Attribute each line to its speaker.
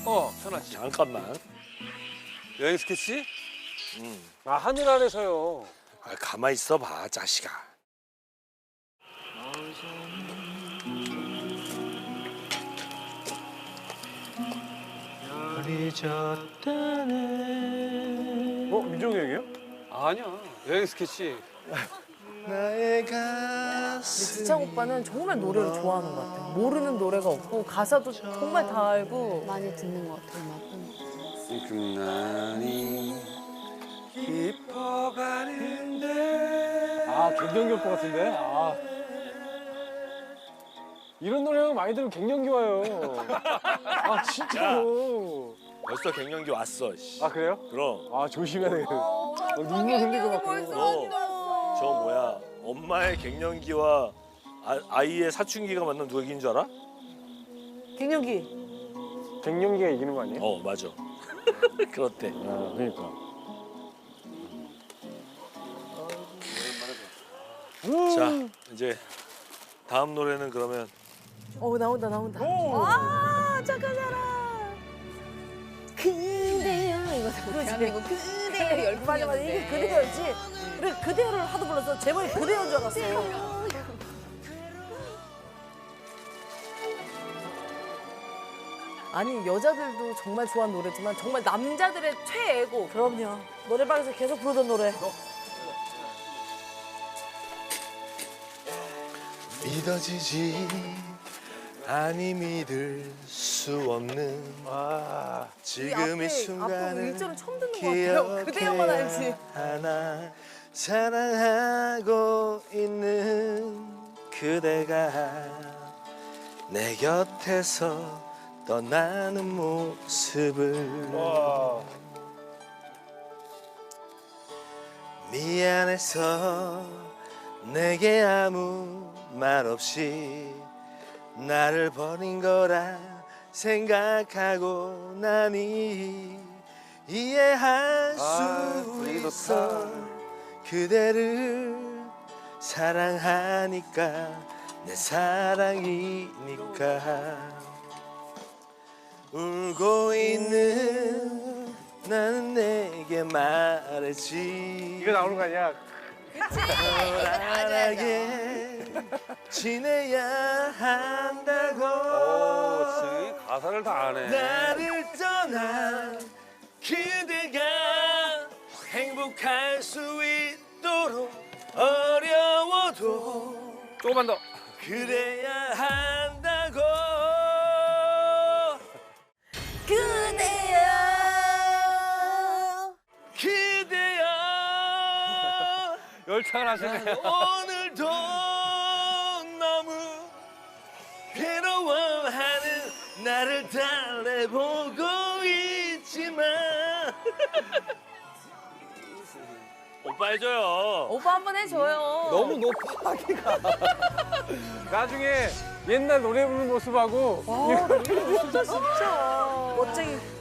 Speaker 1: 선아 씨.
Speaker 2: 잠깐만.
Speaker 1: 여행 스케치?
Speaker 3: 아, 하늘 아래서요.
Speaker 2: 아, 가만히 있어봐, 자식아.
Speaker 3: 민종이 형이요?
Speaker 1: 아니야. 여행 스케치.
Speaker 2: 나의
Speaker 4: 근데
Speaker 2: 가슴.
Speaker 4: 지창 오빠는 정말 노래를 좋아하는 것 같아요. 모르는 노래가 없고 가사도 정말 다 알고.
Speaker 5: 많이 듣는 것 같아요, 음악은.
Speaker 1: 금난이 깊어가는데.
Speaker 3: 아, 갱년기 오빠 같은데? 아. 이런 노래 많이 들으면 갱년기 와요. 아, 진짜로.
Speaker 2: 벌써 갱년기 왔어. 씨.
Speaker 3: 아, 그래요?
Speaker 2: 그럼.
Speaker 3: 아, 조심해야 되겠네. 눈물 흘리고 막 그러고.
Speaker 2: 저 뭐야? 엄마의 갱년기와 아이의 사춘기가 만나면 누가 이긴 줄 알아?
Speaker 4: 갱년기.
Speaker 3: 갱년기가 이기는 거 아니에요?
Speaker 2: 어, 맞아. 그렇대.
Speaker 3: 아, 그러니까.
Speaker 2: 자, 이제 다음 노래는 그러면
Speaker 4: 나온다. 아, 착한 사람. 그대여 이거
Speaker 5: 대한민국 그대의 열풍이었는데.
Speaker 4: 맞아. 이게 그대여였지. 그래, 그대여를 하도 불러서 제목이 그대여인 줄 알았어요. 아니, 여자들도 정말 좋아하는 노래지만 정말 남자들의 최애고. 그럼요. 노래방에서 계속 부르던 노래.
Speaker 2: 믿어지지 아니 믿을 수 없는 지금 이
Speaker 4: 앞에
Speaker 2: 순간을
Speaker 4: 일절은 처음 듣는 것 같아요. 그대여만 알지.
Speaker 2: 기억해야 하나 사랑하고 있는 그대가 내 곁에서 떠나는 모습을 미안해서 내게 아무 말 없이 나를 버린 거라 생각하고 나니 이해할 수 있어 그대를 사랑하니까 내 사랑이니까 울고 있는 나는 내게 말했지
Speaker 3: 이거 나오는 거 아니야?
Speaker 2: 편안하게 지내야 한다고
Speaker 1: 승희 가사를 다 아네.
Speaker 2: 나를 떠난 그대가 행복할 수 있도록 어려워도
Speaker 1: 조금만 더.
Speaker 2: 그래야 한다고
Speaker 4: 그대여.
Speaker 2: 그대여
Speaker 1: 열창을 하시네.
Speaker 2: 오늘도 너무 괴로워하는 나를 달래보고 있지만 오빠 해줘요.
Speaker 4: 오빠 한 번 해줘요.
Speaker 3: 너무 높아, 하기가. 나중에 옛날 노래 부르는 모습하고.
Speaker 4: 진짜 멋쟁이.